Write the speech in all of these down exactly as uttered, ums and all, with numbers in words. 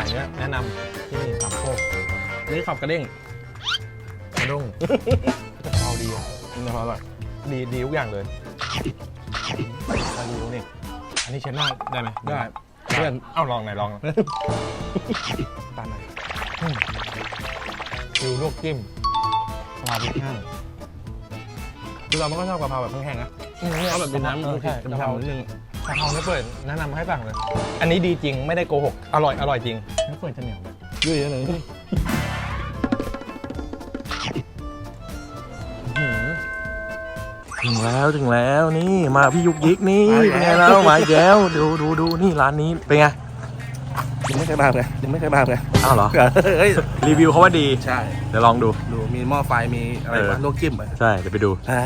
ายเนี้ยแนะนำที่นี่สามโคกนี่ขับกระเด้งกระด้งกะเพราดีอ่ะกะเพราอร่อยดีดีทุกอย่างเลยกระดูกนี่อันนี้เช็ดหน้าได้ไหมได้เพื่อนเอ้าลองหน่อยลองตามหน่อยฟิวลวกจิ้มกะเพราพริกแห้งคือเราไม่ก็ชอบกะเพราแบบแห้งๆนะนี่เอาแบบเป็นน้ำมันใช่กะเพรานิดนึงกะเพราไม่เปิดแนะนำให้สั่งเลยอันนี้ดีจริงไม่ได้โกหกอร่อยอร่อยจริงไม่เปิดจะเหนียวไหมยุ่ยเยอะเลยถึงแล้วถึงแล้วนี่มาพี่ยุกยิกนี่เป็นไงแล้วมาอีกแล้วดูดูดูนี่ร้านนี้เป็นไงยังไม่เคยมาเลยยังไม่เคยมาเลยอ้าวเหรอรีวิวเขาว่าดีใช่เดี๋ยวลองดูดูมีหม้อไฟมีอะไรวะลวกจิ้มใช่เดี๋ยวไปดู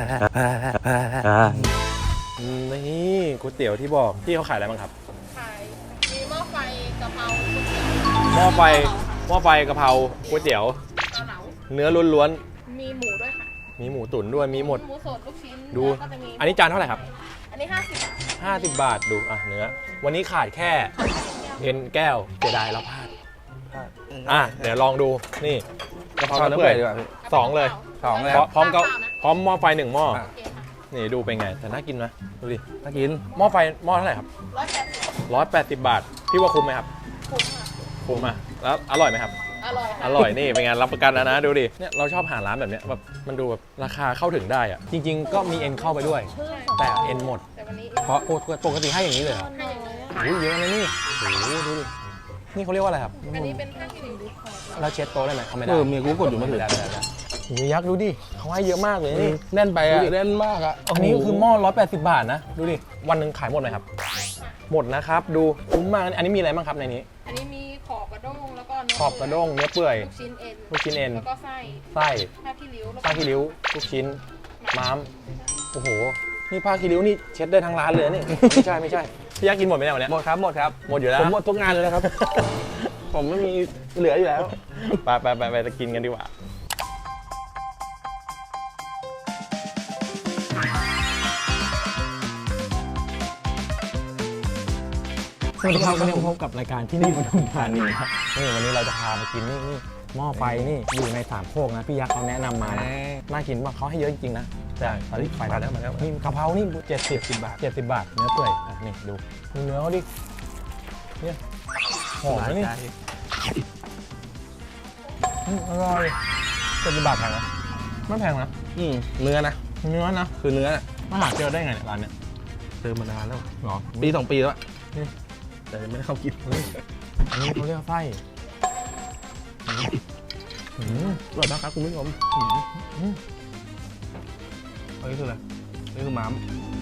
นี่ก๋วยเตี๋ยวที่บอกที่เขาขายอะไรบ้างครับขายมีหม้อไฟกะเพราหม้อไฟหม้อไฟกะเพราก๋วยเตี๋ยวเนื้อล้วนๆมีหมูด้วยค่ะมีหมูตุ๋นด้วยมีหมดหมูสดลูกชิ้นดูอันนี้จานเท่าไหร่ครับอันนี้ห้าสิบห้าสิบบาทดูอ่ะเนื้อวันนี้ขาดแค่เอ็นแก้วเสียดายแล้วพลาดอ่ะเดี๋ยวลองดูนี่กะเพราเนื้อเปื่อยสองเลยสองเลยพร้อมกับพร้อมหม้อไฟหนึ่งหม้อนี่ดูเป็นไงแต่น่ากินไหมดูดิน่ากินหม้อไฟหม้อเท่าไหร่ครับร้อยแปดสิบร้อยแปดสิบบาทพี่ว่าคุ้มไหมครับคุ้มค่ะคุ้มอ่ะแล้วอร่อยไหมครับอร่อยอร่อยนี่เป็นไงรับประกันนะนะดูดิเนี่ยเราชอบหาร้านแบบเนี้ยแบบมันดูแบบราคาเข้าถึงได้อ่ะจริงๆก็มีเอ็นเข้าไปด้วยแต่เอ็นหมดเพราะปกติให้อย่างนี้เลยเหรอโอ้ยเยอะนะนี่โอ้โหดูดินี่เขาเรียกว่าอะไรครับอันนี้เป็นผ้าคีริ้วดูคอเราเช็ดโต๊ะได้ไหมเขาไม่ได้เออมีกูกดอยู่ไม่ถึงโอ้ยยักษ์ดูดิเขาให้เยอะมากเลยนี่แน่นไปอ่ะแน่นมากอ่ะอันนี้คือหม้อร้อยแปดสิบบาทนะดูดิวันหนึ่งขายหมดไหมครับหมดนะครับดูคุ้มมากอันนี้มีอะไรบ้างครับในนี้อันนี้มีขอบกระด้งแล้วก็ขอบกระด้งเนื้อเปื่อยลูกชิ้นเอ็นลูกชิ้นเอ็นแล้วก็ไส้ไส้ผ้าคีริ้วผ้าคีริ้วลูกชิ้นม้ามโอ้โหนี่ผ้าคีริ้วนี่เช็ดได้ทั้งร้านเลยนี่ไม่ใช่ไม่ใช่พี่ยักษ์กินหมดไหมเนี่ยวันนี้หมดครับหมดครับหมดอยู่แล้วผมหมดทุกงานเลยนะครับผมไม่มีเหลืออยู่แล้วไปไปไปไปจะกินกันดีกว่าสวัสดีครับวันนี้พบกับรายการที่นี่ปทุมธานีครับนี่วันนี้เราจะพามากินนี่นี่หม้อไฟนี่อยู่ในสามโคกนะพี่ยักษ์เขาแนะนำมานะน่ากินว่าเขาให้เยอะจริงๆนะแต่ตอนนี้ไฟมาแล้วมาแล้วนี่กะเพรานี่เจ็ดสิบสิบบาทเจ็ดสิบบาทเนื้อเปื่อยอ่ะนี่ดูดูเนื้อเขาดิเนี่ยหอมนะนี่อร่อยเจ็ดสิบบาทแพงนะไม่แพงนะอืมเนื้อนะเนื้อนะคือเนื้อมาหาเจอได้ไงเนี่ยร้านเนี้ยเจอมานานแล้วหรอปีสองปีแล้วแต่ไม่ได้เข้ากินอันนี้เขาเรียกไส้อร่อยมากครับคุณผู้ชมอันนี้คืออะไรนี่คือม้าม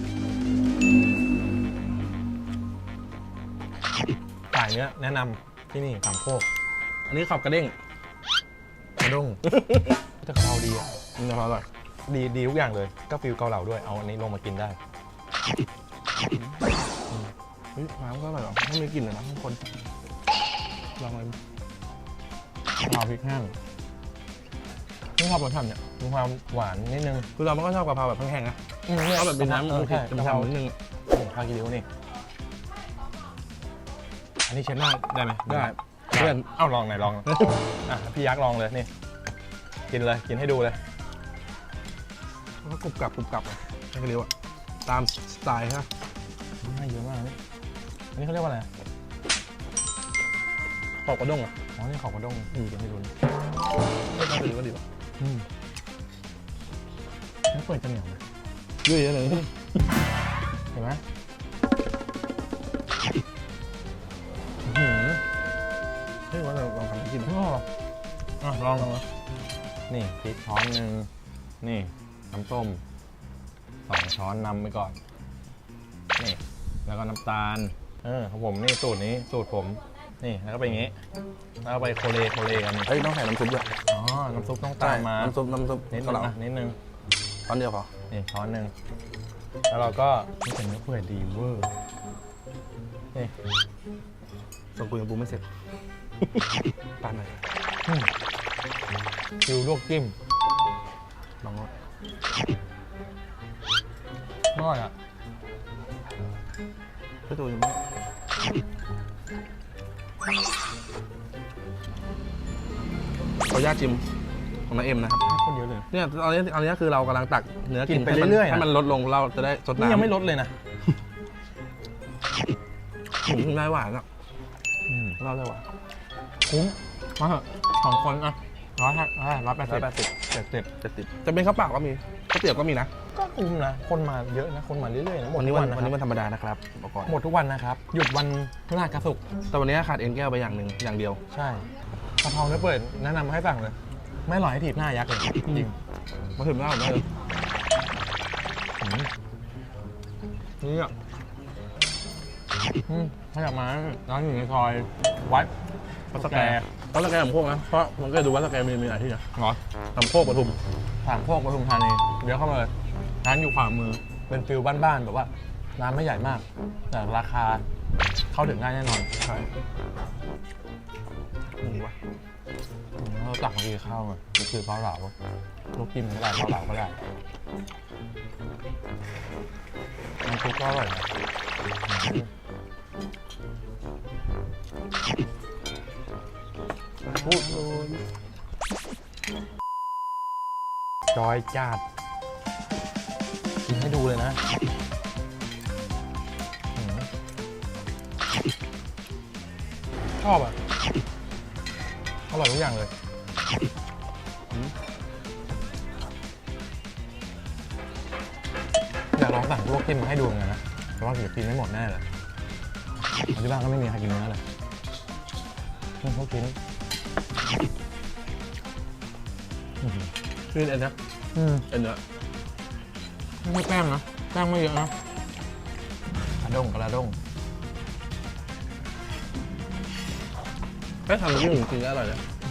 สายเนี้ยแนะนำที่นี่สามโคกอันนี้ขับกระเด้งกระด้งจะกะเพราดีอ่ะกะเพราอร่อยดีดีทุกอย่างเลยก็ฟิลเกาเหลาด้วยเอาอันนี้ลงมากินได้น้ำก็อร่อยหรอไม่มีกลิ่นเลยนะทุกคนลองเลยกะเพราพริกแห้งนี่ชอบรสชาติเนี่ยมีความหวานนิดนึงคือเราไม่ก็ชอบกะเพราแบบแห้งๆนะเอาแบบเป็นน้ำมันใช่กะเพรานิดนึงผ้าคีริ้วนี่อันนี้เช็ดหน้าได้ไหมได้เพื่อนเอ้าลองหน่อยลองอ่ะพี่ยักษ์ลองเลยนี่กินเลยกินให้ดูเลยแล้วกรุบกรับกรุบกรับเลยผ้าคีริ้วอ่ะตามสไตล์ครับให้เยอะมากนี่อันนี้เขาเรียกว่าอะไรขอบกระด้งอ่ะอ๋อนี่ขอบกระด้งดีกันไม่รู้ไม่ต้องถือก็ดีป่ะอืมไม่เปิดจะเหนียวไหมยุ่ยเยอะเลยเห็นไหมเฮ้ยว่าเราลองทำกินอ๋อลองลองนี่พริกช้อนหนึ่งนี่น้ำส้มสองช้อนนำไปก่อนนี่แล้วก็น้ำตาลเออของผมนี่สูตรนี้สูตรผมนี่แล้วก็ไปอย่างงี้แล้วก็ไปโคเลโคเลกันเฮ้ยต้องใส่น้ำซุปด้วยอ๋อน้ำซุปต้องตามมาน้ำซุปน้ำซุปนิดนึงอ่ะนิดนึงช้อนเดียวพอนี่ช้อนหนึ่งแล้วเราก็นี่เป็นเนื้อเปื่อยดีเวอร์นี่ส่งกูยังปรุงไม่เสร็จตามหน่อยฟิวลวกจิ้มลองดูอร่อยอ่ะไม่ตัวยังไม่ขออนุญาตชิมของน้าเอ็มนะครับคนเยอะเลยเนี่ยตอนนี้ตอนนี้คือเรากำลังตักเนื้อกินไปให้มัเรื่อยๆนะให้มันลดลงเราจะได้สดนี่น้ำยังไม่ลดเลยนะอืมได้หวานอ่ะอืมเราได้หวานคุ้มมาเถอะสองคนอ่ะร้อยห้าร้อยแปดสิบร้อยแปดสิบเจ็ดสิบเจ็ดสิบจะเป็นข้าวเปล่าก็มีข้าวเตี๋ยวก็มีนะก็คุ้มนะ คนมาเยอะนะ คนมาเรื่อยๆนะหมดวันนี้ทุกวัวัน นนะวันนี้ควัรับนธรรมดานะครับบอกก่อนหมดทุกวันนะครับ หยุดวันพฤหัสกับศุกร์แต่วันนี้ขาดเอ็นแก้วไปอย่างหนึ่งอย่างเดียวใช่กะเพราเนื้อเปิดแนะนำให้สั่งเลย ไม่อร่อยให้ถีบหน้ายักษ์เลยจริงมาถึงแล้วได้เลยอืมนี่อ่ะอืมถ้าอยากมาร้านอยู่ในซอยวัดวัดสแกร์วัดสแกร์สามโคกนะเพราะมันก็ดูวัดสแกร์มีมีหลายที่นะเหรอสามโคกปทุมสามโคกปทุมธานีเดี๋ยวเข้ามาเลยร้านอยู่ขวามือเป็นฟิลบ้านๆแบบว่าร้านไม่ใหญ่มาก แต่ราคาเข้าถึงง่ายแน่นอนใช่นี่วะอืมเราตักมากินข้าวมานี่คือเกาเหลาลูกจิ้มก็ได้เกาเหลาก็ได้น้ำซุปก็อร่อยนะอืมพูดเลยจอยจัดกินให้ดูเลยนะอืมชอบอ่ะ อร่อยทุกอย่างเลยอืมอยากลองสั่งลวกจิ้มมาให้ดูเหมือนกันนะแต่ว่าเดี๋ยวกินไม่หมดแน่เลยเพราะที่บ้านก็ไม่มีใครกินเนื้อเลยนี่เขากินอื้อหือชื่อเอ็นนะอืมเอ็นเนื้อไม่แป้งนะแป้งไม่เยอะนะกระด้งกระด้งแป้งทำน้ำจิ้มจริงๆก็อร่อยนะ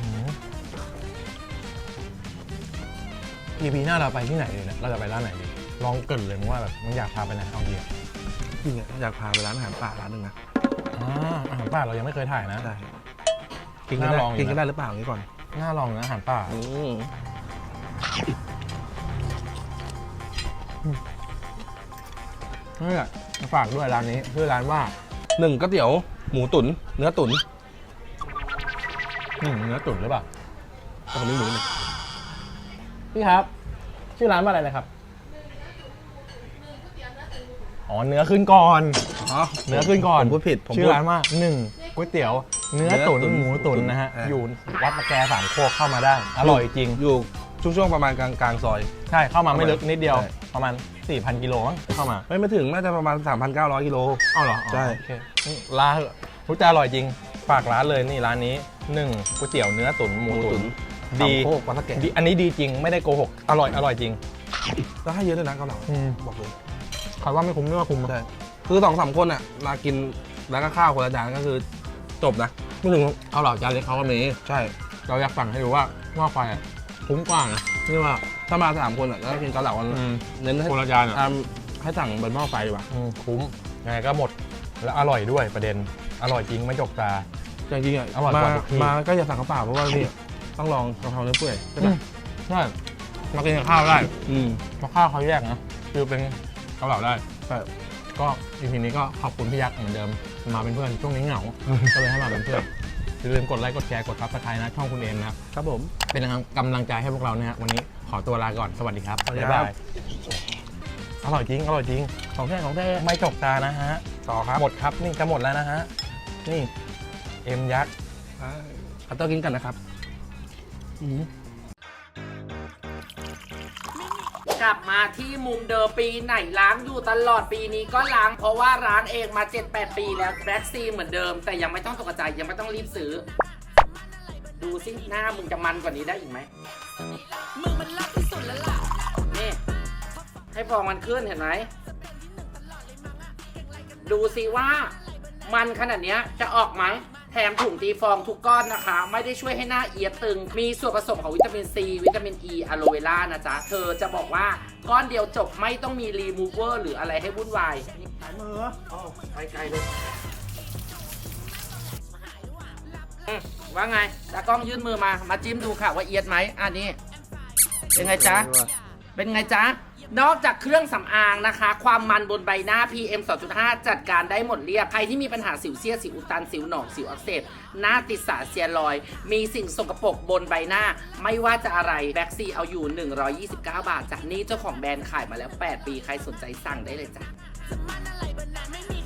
อีพีหน้าเราไปที่ไหนดีเนี่ยเราจะไปร้านไหนดีลองเกรินเลยมึงว่าแบบมึงอยากพาไปไหนเอาดีอะจริงๆอยากพาไปร้านอาหารป่าร้านหนึ่งนะอ่าอาหารป่าเรายังไม่เคยถ่ายนะได้กินกันน่าได้ลองอยู่นะกินกันได้หรือเปล่าอย่างนี้ก่อนน่าลองนะอาหารป่าอืมนี่แหละฝากด้วยร้านนี้ชื่อร้านว่าหนึ่งก๋วยเตี๋ยวหมูตุ๋นเนื้อตุ๋นหนึ่งเนื้อตุ๋นหรือเปล่าแต่ผมไม่รู้เลยพี่ครับ ชื่อร้านว่าอะไรนะครับอ๋อเนื้อขึ้นก่อนอ๋อเนื้อขึ้นก่อนผมพูดผิดผมชื่พูอดร้านว่าหนึ่งก๋วยเตี๋ยว เนื้อตุ๋นเนื้อตุ๋นหมูตุ๋นนะฮะอ่าอยู่วัดตะแกสามโคกเข้ามาได้ อร่อยจริงอยู่ช่วงช่วงประมาณกลางกลางซอยใช่เข้ามาไม่ลึกนิดเดียวใช่ประมาณ สี่พัน กิโลมั้งเข้ามาไม่ไม่ถึงน่าจะประมาณ สามพันเก้าร้อย กิโลอ้าวเหรออ๋อใช่โอเคนี่ร้านรู้จะอร่อยจริง ฝากร้านเลยนี่ร้านนี้หนึ่งก๋วยเตี๋ยวเนื้อตุ๋นหมูตุ๋น ดีสามโคกวัดสะแกะดีอันนี้ดีจริงไม่ได้โกหก อร่อยอร่อยจริงแล้วให้เยอะด้วยนะเกาเหลาอืมบอกเลยใครว่าไม่คุ้มนี่ว่าคุ้มใช่คือสองสามคนอ่ะมากินแล้วก็ข้าวคนละจานก็คือจบนะไม่ถึงเอาเหล่าจานเล็กเขาก็มีใช่เราอยากสั่งให้ดูว่าว่าไฟอะคุ้มกว่านะนี่ว่าถ้ามาสามคนอ่ะแล้วก็กินเกาเหลากันอืมเน้นให้คนละจานอ่ะทำให้สั่งบนหม้อไฟดีกว่าอืมคุ้มยังไงก็หมดแล้วอร่อยด้วยประเด็นอร่อยจริงไม่จกตาจริงๆอ่ะอร่อยกมาว่าทุกที่มาก็อย่าสั่งข้าวเปล่าเพราะว่านี่ต้องลองกะเพราเนื้อเปื่อยใช่อืปะมใช่มากินกับข้าวได้อืมเพราะข้าวเขาแยกนะคือเป็นเกาเหลาได้ใช่ก็อีพีนี้ก็ขอบคุณพี่ยักษ์เหมือนเดิมมาเป็นเพื่อนช่วงนี้เหงา ก็เลยให้มาเป็นเพื่อนอย่าลืมกดไลค์กดแชร์กดซับสไครต์นะช่องคุณเอมนะครับครับผมเป็นกำลังใจให้พวกเรานะฮะวันนี้ขอตัวลาก่อนสวัสดีครับสวัสดีบ๊ายครับบายอร่อยจริงอร่อยจริงของแท้ของแท้ไม่จกตานะฮะต่อครับหมดครับนี่จะหมดแล้วนะฮะนี่เอ็มยักษ์คัตเตอร์กินกันนะครับกลับมาที่มุมเดิมปีไหนล้างอยู่ตลอดปีนี้ก็ล้างเพราะว่าร้านเองมา เจ็ดแปด ปีแล้วแบ็กซีเหมือนเดิม แต่ยังไม่ต้องตกใจยังไม่ต้องรีบซื้อ ดูสิหน้ามึงจะมันกว่านี้ได้อีกไหมมึงมันลักที่สุดแล้วล่ะนี่ให้ฟองมันขึ้นเห็นไหมดูสิว่ามันขนาดเนี้ยจะออกไหมแถมถุงตีฟองทุกก้อนนะคะ ไม่ได้ช่วยให้หน้าเอียดตึง มีส่วนผสมของวิตามินซีวิตามินอีอะโลเวล่านะจ๊ะ เธอจะบอกว่าก้อนเดียวจบไม่ต้องมีรีมูเวอร์หรืออะไรให้วุ่นวายนี่สายมืออ๋อไปไกลเลยอืมว่าไงตากล้องยื่นมือมา มาจิ้มดูค่ะว่าเอียดไหมอันนี้เป็นไงจ๊ะ เป็นไงจ๊ะนอกจากเครื่องสำอางนะคะ ความมันบนใบหน้า พี เอ็ม สองจุดห้า จัดการได้หมดเรียบใครที่มีปัญหาสิวเสี้ยสิวอุดตันสิวหนองสิวอักเสบหน้าติดสารเซียรอยด์มีสิ่งสกปรกบนใบหน้าไม่ว่าจะอะไรแบ็กซีเอาอยู่หนึ่งร้อยยี่สิบเก้าบาทจากนี้เจ้าของแบรนด์ขายมาแล้วแปดปีใครสนใจสั่งได้เลยจ้ะ